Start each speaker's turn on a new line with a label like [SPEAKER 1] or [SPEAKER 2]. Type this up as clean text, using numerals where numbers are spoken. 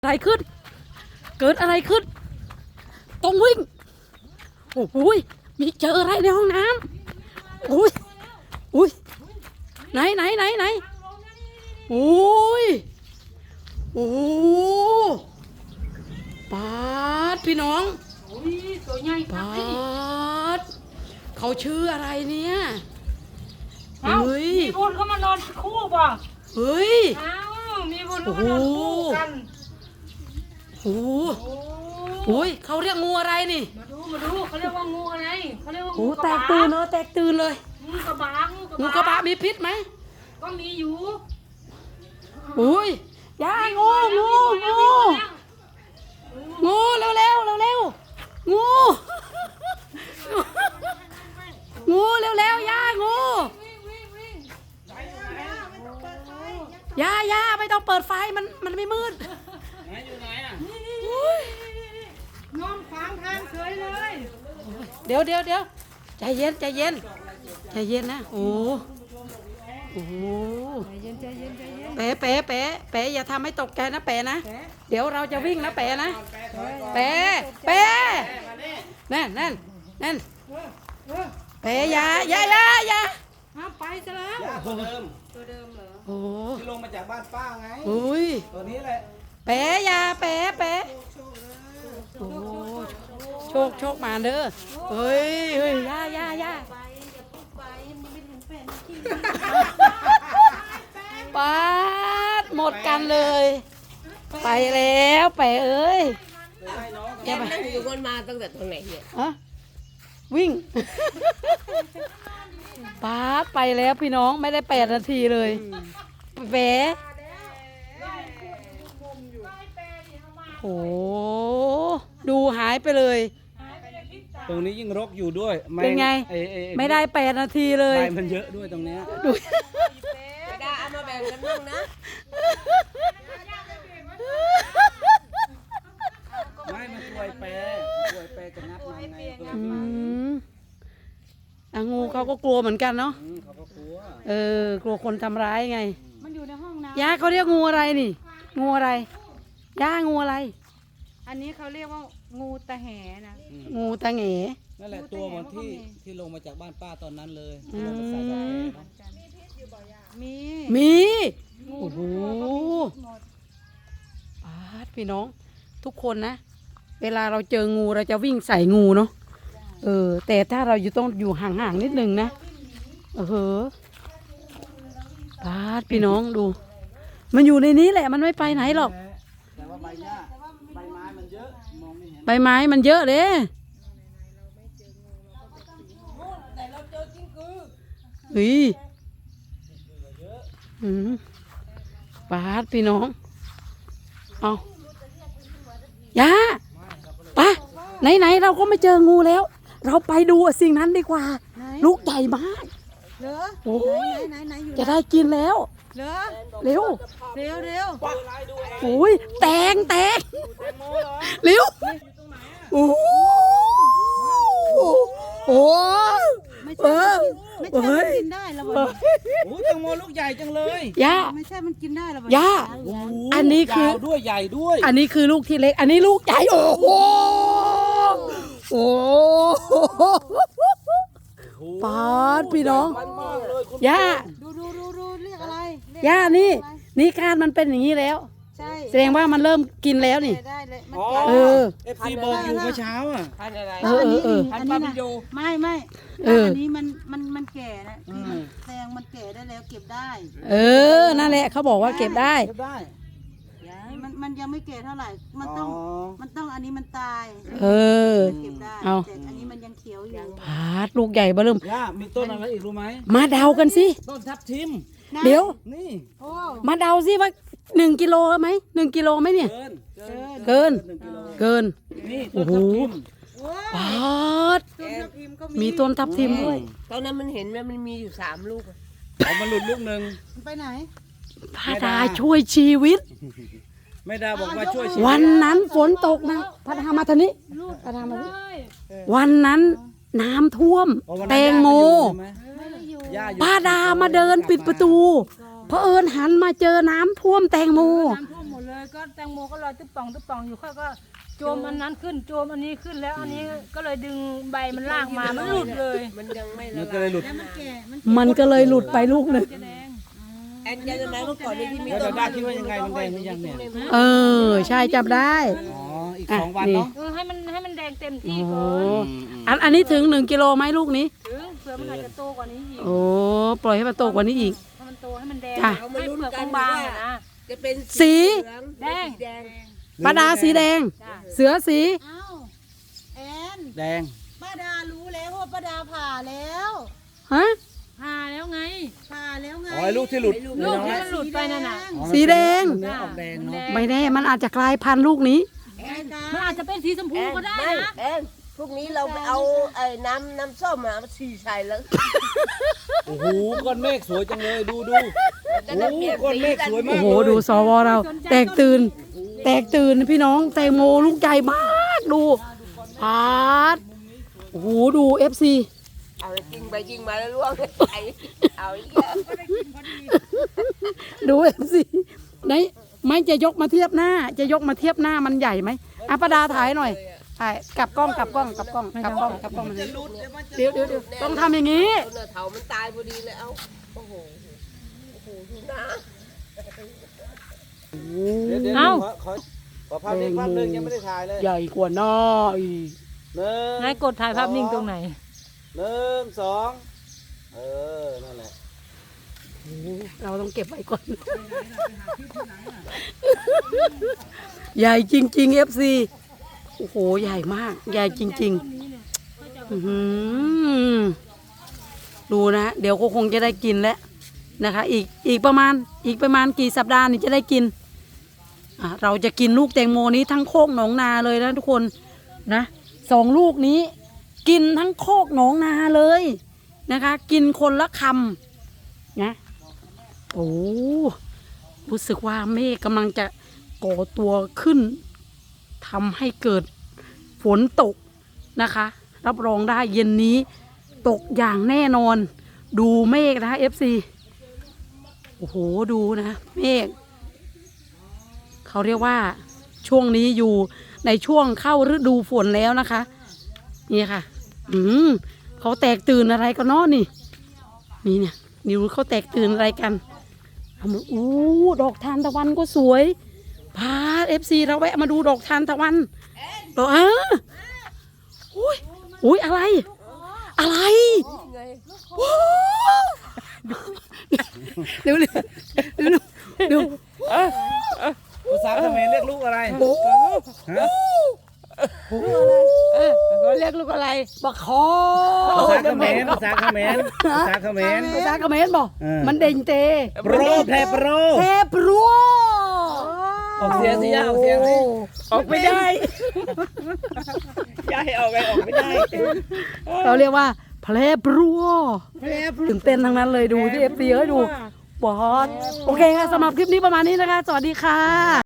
[SPEAKER 1] อะไรขึ้นเกิดอะไรขึ้นต้องวิ่งโอ้โหมีเจออะไรในห้องน้ำโอ้ยอุ้ยไหนโอ้ยโอ้ปาดพี่น้อง
[SPEAKER 2] ตัวใหญ่
[SPEAKER 1] ปาดเขาชื่ออะไรเนี่ยเฮ้ย
[SPEAKER 2] มีบุญเขามานอนคู่ป่ะ
[SPEAKER 1] เฮ้ย
[SPEAKER 2] มีบุญเขามานอนคู่กัน
[SPEAKER 1] โอ้โหเขาเรียกงูอะไรนี่
[SPEAKER 2] มาดูเขาเรียกว่างูอะไรเขาเรียกว่า
[SPEAKER 1] งู
[SPEAKER 2] งู
[SPEAKER 1] แตกตื่นเลยแตกตื่นเลย
[SPEAKER 2] งูกระบะ
[SPEAKER 1] งูกระบะมีพิษไหม
[SPEAKER 2] ก็มีอยู่
[SPEAKER 1] อุ้ยยางูเร็วงูงูเร็วยางูยาไม่ต้องเปิดไฟมันไม่มืด
[SPEAKER 3] ไหนอยู่ไหนอ่ะ
[SPEAKER 2] นอนขวางทางเฉยเลย
[SPEAKER 1] เดี๋ยวใจเย็นนะโอ้เป๋อย่าทำให้ตกใจนะเป๋นะเดี๋ยวเราจะวิ่งนะเป๋นะเป๋นั่นเป๋อย่า
[SPEAKER 2] ไปซะแล้ว
[SPEAKER 3] ตัวเดิมเหรอ
[SPEAKER 1] โอ้
[SPEAKER 3] ที่ลงมาจากบ้านป้าไงตัวนี้แหละ
[SPEAKER 1] เป๋อย่าเป๋โอ้โชคมาเด้อเฮ้ยย่าปาดหมดกันเลยไปแล้วไปเอ้ย
[SPEAKER 4] แกนั่งอยู่กันมาตั้งแต่ตรงไหนเนี่ย
[SPEAKER 1] วิ่งปาดไปแล้วพี่น้องไม่ได้8 นาทีเลยแหวโอ้ดูหายไปเลย
[SPEAKER 3] ตรงนี้ยิ่งรกอยู่ด้วย
[SPEAKER 1] เป็นไงไม่ได้8 นาทีเลย
[SPEAKER 3] ใบมันเยอะด้วยตรงนี้
[SPEAKER 1] ดู
[SPEAKER 4] ไม่ได้เอามาแบ่งกันบ้างนะ
[SPEAKER 3] ไม่มันช่วยแปรจะงัดมาไง
[SPEAKER 1] งูเขาก็กลัวเหมือนกันเนาะ
[SPEAKER 3] เขาก็กลัว
[SPEAKER 1] กลัวคนทำร้ายไง
[SPEAKER 2] มันอยู่ในห้องน้ำ
[SPEAKER 1] ย่าเขาเรียกงูอะไรนี่งูอะไรย่างูอะไร
[SPEAKER 2] อันนี้เขาเรียกว่างูตะแหนะ
[SPEAKER 1] งูตะแหง
[SPEAKER 3] นั่นแหละตัวมันที่ลงมาจากบ้านป้าตอนนั้นเลยที่เราไปใส่กาแฟมีพิษอยู่บ่อย
[SPEAKER 1] มีโอ้โหพี่น้องทุกคนนะเวลาเราเจองูเราจะวิ่งใส่งูเนาะแต่ถ้าเราต้องอยู่ห่างๆนิดนึงนะพี่น้องดูมันอยู่ในนี้แหละมันไม่ไปไหนหรอก
[SPEAKER 3] แต่ว่าใบไม้มันเยอะมองไม่เห็น
[SPEAKER 1] ใบไม้มันเยอะเลย
[SPEAKER 4] แต่เราเจอจิ้งกือ
[SPEAKER 1] พี่น้องเอาย่าปะไหนเราก็ไม่เจองูแล้วเราไปดูสิ่งนั้นดีกว่าลูกใหญ่มาก
[SPEAKER 2] เหรอ
[SPEAKER 1] โอ้ย
[SPEAKER 2] อยู่
[SPEAKER 1] จะได้กินแล้ว
[SPEAKER 2] เหรอ
[SPEAKER 1] เร็วโอ้ยแตงเร็วโอ้
[SPEAKER 2] ไม่ใช่กินได้หรอ
[SPEAKER 3] โอ้แตงโมลูกใหญ่จังเลย
[SPEAKER 1] ย่า
[SPEAKER 2] ไม่ใช่มันกินได้หร
[SPEAKER 1] อย่าอันนี้คือ
[SPEAKER 3] ด้วยใหญ่ด้วย
[SPEAKER 1] อันนี้คือลูกที่เล็กอันนี้ลูกใหญ่โอ้โหปาดพี่น้องย่า
[SPEAKER 2] ดูเรียกอะไร
[SPEAKER 1] ย่านี่คาดมันเป็นอย่างนี้แล้ว
[SPEAKER 2] ใช่
[SPEAKER 1] แสดงว่ามันเริ่มกินแล้วนี่
[SPEAKER 2] ได้เลย
[SPEAKER 3] FCบอกอยู่เมื่อเช้าอ่ะ
[SPEAKER 4] พันอะไร
[SPEAKER 2] พันปาปิโยไม่อันนี้มันแก่นะแตงมันแก่ได้แล้วเก็บได้
[SPEAKER 1] นั่นแหละเขาบอกว่าเก็บได้
[SPEAKER 2] มันยังไม่แก่เท่าไหร่มันต้องอันนี้มันตายเก็บได้แต่อันนี้มันยังเขียวอยู่
[SPEAKER 1] พาดลูกใหญ่เบิ่ม
[SPEAKER 3] มีต้นอะไรอีกรู้ไหม
[SPEAKER 1] มาเดากันสิ
[SPEAKER 3] ต้นทับทิม
[SPEAKER 1] เดี๋ยว
[SPEAKER 3] นี่
[SPEAKER 1] มาเดาสิว่า1 กิโลไหม1 กิโลไหมเนี่ยเกิน
[SPEAKER 3] นี่
[SPEAKER 1] โอ้โหปาดมีต้นทับทิมด้วย
[SPEAKER 4] ตอนนั้นมันเห็นมันมีอยู่3 ลูก
[SPEAKER 3] มันหลุดลูกนึง
[SPEAKER 2] ไปไหน
[SPEAKER 1] พาดาช่วยชีวิต
[SPEAKER 3] ไม่ได้บอกว่าช่วยชีวิต
[SPEAKER 1] วันนั้นฝนตกนะพาดามาทางนี้พาดามาวันนั้นน้ำท่วมแตงโมพาดามาเดินปิดประตูเผอิญหันมาเจอน้ำท่วมแตงโม
[SPEAKER 5] ก็แตงโมก็ลอยตึ๊บป่องอยู่ค่อยก็โจมอันนั้นขึ้นโจมอันนี้ขึ้นแล้วอันนี้ก็เลยดึงใบมันลากมามันหลุดเลย
[SPEAKER 4] มันยังไม่
[SPEAKER 3] มั
[SPEAKER 4] ละ
[SPEAKER 3] นก็เลยหลุด
[SPEAKER 2] แล้วมันแก่มัน
[SPEAKER 1] มันก็เลยหลุดไปลูกหนึ่ง
[SPEAKER 5] จะแดง
[SPEAKER 4] แอนยังไงเมื่อก่อนที่มี
[SPEAKER 3] แล้วดาคิดว่ายังไงมันแดงหรือยังเนี่ย
[SPEAKER 1] เออใช่จับได้
[SPEAKER 3] อ๋ออีก2 วันเนาะ
[SPEAKER 5] ให้มันแดงเต็ม
[SPEAKER 1] โอ้
[SPEAKER 5] ที่
[SPEAKER 1] โห
[SPEAKER 5] ก่อน
[SPEAKER 1] อันนี้ถึง1 กิโลไหมลูกนี้
[SPEAKER 5] ถึงเผื่อมันอาจจะโตกว่านี้อีก
[SPEAKER 1] โอ้ปล่อยให้มันโตกว่านี้อีก
[SPEAKER 5] ถ้ามันโตให้มันแดง
[SPEAKER 1] จ้ะ
[SPEAKER 5] ให้เปลือกบางๆนะ
[SPEAKER 4] จะเป็น
[SPEAKER 1] สี
[SPEAKER 5] แดง
[SPEAKER 4] แดง
[SPEAKER 1] ปลาดาสีแดง
[SPEAKER 5] จ้ะ
[SPEAKER 1] เสือสี
[SPEAKER 2] เอ้าแอน
[SPEAKER 3] แดง
[SPEAKER 2] ป้าดารู้แล้วว่าป้าดาผ่าแล้ว
[SPEAKER 1] ฮะ
[SPEAKER 5] ผ่าแล้วไง
[SPEAKER 2] ผ่าแล้วไง
[SPEAKER 3] อ๋อไอ้ลูกที่หลุด
[SPEAKER 5] ลูก
[SPEAKER 3] น้
[SPEAKER 5] ที่
[SPEAKER 3] อย
[SPEAKER 5] มันหลุดไปนั่นน่ะ
[SPEAKER 3] อ๋อ
[SPEAKER 1] สีแดง
[SPEAKER 3] เนื้อออกแดงเนาะ
[SPEAKER 1] ไม่แน่มันอาจจะกลายพันธุ์ลูกนี้
[SPEAKER 5] มันอาจจะเป็นสีชมพู
[SPEAKER 4] แอน
[SPEAKER 5] ก็ได้
[SPEAKER 4] ไม่
[SPEAKER 5] นะ
[SPEAKER 4] แอนพรุ่งนี้เราไปเอาไอ้น้ำส้มมาฉี่ใส่แล้ว
[SPEAKER 3] โอ้โหก้อนเมฆสวยจังเลยดูโอ้โหก้อนเมฆสวยมา
[SPEAKER 1] โอ้
[SPEAKER 3] ก
[SPEAKER 1] โห
[SPEAKER 3] เลย
[SPEAKER 1] ดูสวเรา แตกตื่น แตกตื่นพี่น้องแตงโมลูกใหญ่มากดูปาดโอ้โหดูFC
[SPEAKER 4] เอาจริงไปจริงมาแล้วล่วงไอ้เอาอีกแล้ว
[SPEAKER 1] ดูFC ไหนไม่จะยกมาเทียบหน้า จะยกมาเทียบหน้ามันใหญ่ไหมอ่ะประดาถ่ายหน่อยถ่ายกลับกล้องกลับกล้องกลับกล้องกลับกล้องกลับกล้องมาเดี๋ยวต้องทำอย่างนี้
[SPEAKER 4] ต้นเถามันตายพอดีเลยเอาโอ้โหดูนะ
[SPEAKER 3] เดี๋ยว
[SPEAKER 5] เอ้า
[SPEAKER 3] ขอภาพนี้ภาพหนึ่งยังไม่ได้ถ่ายเลย
[SPEAKER 1] ใหญ่กว่าหน้าอีก
[SPEAKER 5] นายกดถ่ายภาพนิ่งตรงไหน
[SPEAKER 3] 1 2นั่นแหละ
[SPEAKER 1] เราต้องเก็บไว้ก่อน ใหญ่จริงๆ FC โอ้โหใหญ่มากใหญ่จริงๆอื้อหือดูนะเดี๋ยวก็คงจะได้กินแล้วนะคะอีกประมาณกี่สัปดาห์นี่จะได้กินเราจะกินลูกแตงโมนี้ทั้งโคกหนองนาเลยนะทุกคนนะ2 ลูกนี้ กินทั้งโคกหนองนาเลยนะคะ กินคนละคำนะโอ้รู้สึกว่าเมฆกำลังจะก่อตัวขึ้นทำให้เกิดฝนตกนะคะ รับรองได้เย็นนี้ตกอย่างแน่นอน ดูเมฆนะคะ FC โอ้โหดูนะเมฆเขาเรียกว่าช่วงนี้อยู่ในช่วงเข้าฤดูฝนแล้วนะคะนี่ค่ะเขาแตกตื่นอะไรกันเนาะนี่เนี่ยนี่รู้เขาแตกตื่นอะไรกันอู้ดอกทานตะวันก็สวยพาFC เราแวะมาดูดอกทานตะวันอุ้ยอะไรเร็ว
[SPEAKER 3] ภาษาเขมรเรียกลูกอะไรฮะ
[SPEAKER 5] เขาเรียกลูกอะไร
[SPEAKER 1] บักคอ
[SPEAKER 3] ภาษาเขมร
[SPEAKER 1] บอก มันเด่งเต
[SPEAKER 3] โปรแพรโปร
[SPEAKER 1] เทปรัว
[SPEAKER 3] ออกเสียงสิออกเสียงสิ
[SPEAKER 1] ออกไม่ได้
[SPEAKER 3] ย้ายออกไม่ได้
[SPEAKER 1] เราเรียกว่าเพลปรัวตื่นเต้นทั้งนั้นเลยดูที่ FC เอ้ยดูบอสโอเคค่ะสำหรับคลิปนี้ประมาณนี้นะคะ สวัสดีค่ะ